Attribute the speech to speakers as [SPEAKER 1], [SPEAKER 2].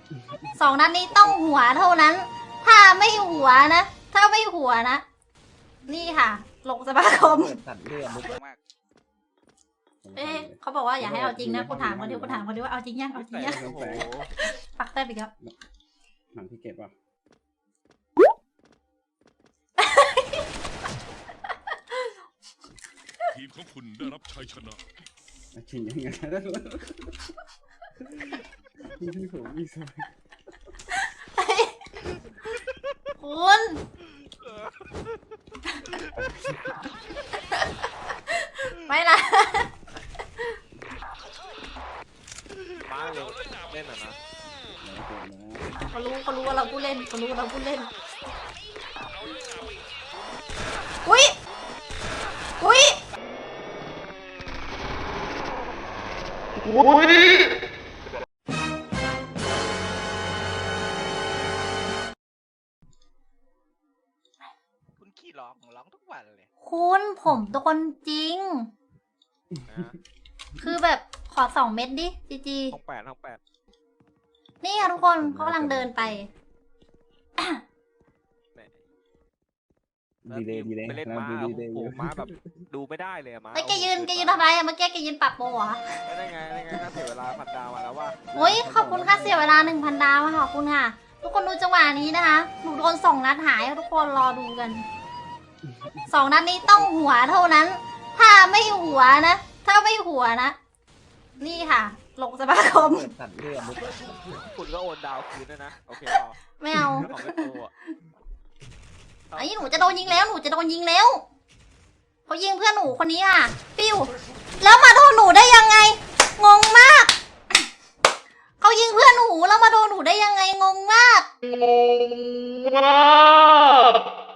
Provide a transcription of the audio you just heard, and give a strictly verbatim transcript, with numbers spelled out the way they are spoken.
[SPEAKER 1] สองนัดนี้ต้องหัวเท่านั้น ถ้าไม่หัวนะ ถ้าไม่หัวนะ นี่ค่ะ ลงสมาคม
[SPEAKER 2] เปิดตัดเลือดมุกมาก
[SPEAKER 1] เอ๊ะเขาบอกว่าอย่าให้เอาจริงนะกูถามคนเดียวกูถามคนเดียวว่าเอาจริงยังเอาจริงยัง
[SPEAKER 2] โอ้โห
[SPEAKER 1] ปักแต้มอีกแล้ว
[SPEAKER 2] หนังพี่เก็บป่ะ
[SPEAKER 3] ทีมของคุณได้รับชัยชนะ
[SPEAKER 2] ชิงยังไงนี่พี่ผมมีสาย
[SPEAKER 1] คุณไม่ละ
[SPEAKER 4] มาเร็วเล่นอ่ะนะ
[SPEAKER 1] เขารู้เขารู้ว่าเราผู้เล่นเขารู้ว่าเราผู้เล่นอุ้ยอุ้ย
[SPEAKER 4] คุณขี้ร้องร้องทุกวันเลย
[SPEAKER 1] คุณผมตัวคนจริง คือแบบขอสองเม็ดดิจีจี
[SPEAKER 4] ห้องแปดห้องแปด
[SPEAKER 1] นี่ค่ะทุกคนเขากำลังเดินไป
[SPEAKER 2] ดีเลยดีเลย
[SPEAKER 4] ไปเล่น
[SPEAKER 2] นะ
[SPEAKER 4] ม้า
[SPEAKER 2] ดีเลย
[SPEAKER 4] โอ้โหม้าแบบดูไม่ได้เลยอะม้า
[SPEAKER 1] ไอ้ยแกยืนแกยืนทำไรอะเมื่อกี้แกยืนปรับโปรเหรอ
[SPEAKER 4] ได้ไงได้ไงถ้าเสียเวลาพันดาวมาแล้วว่า
[SPEAKER 1] โอ้ยขอบคุณค่ะเสียเวลาหนึ่งพันดาวค่ะขอบคุณค่ะ ทุกคนดูจังหวะนี้นะคะหนูโดนสองนัดหายทุกคนรอดูกันสองนัดนี้ต้องหัวเท่านั้น ถ้าไม่หัวนะ ถ้าไม่หัวนะ นี่ค่ะ ลงสมาคม
[SPEAKER 2] เปิดตัดเลือดมุก
[SPEAKER 4] คุณก็โอนดาวคืนด้วยนะโอเคหรอ
[SPEAKER 1] ไม่เอา
[SPEAKER 4] ของไม่โตอ่ะ
[SPEAKER 1] ไอ้หนูจะโดนยิงแล้วหนูจะโดนยิงแล้วเขายิงเพื่อนหนูคนนี้ค่ะปิ้วแล้วมาโดนหนูได้ยังไง งงมากเขายิงเพื่อนหนูแล้วมาโดนหนูได้ยังไงงงมาก
[SPEAKER 5] งงมาก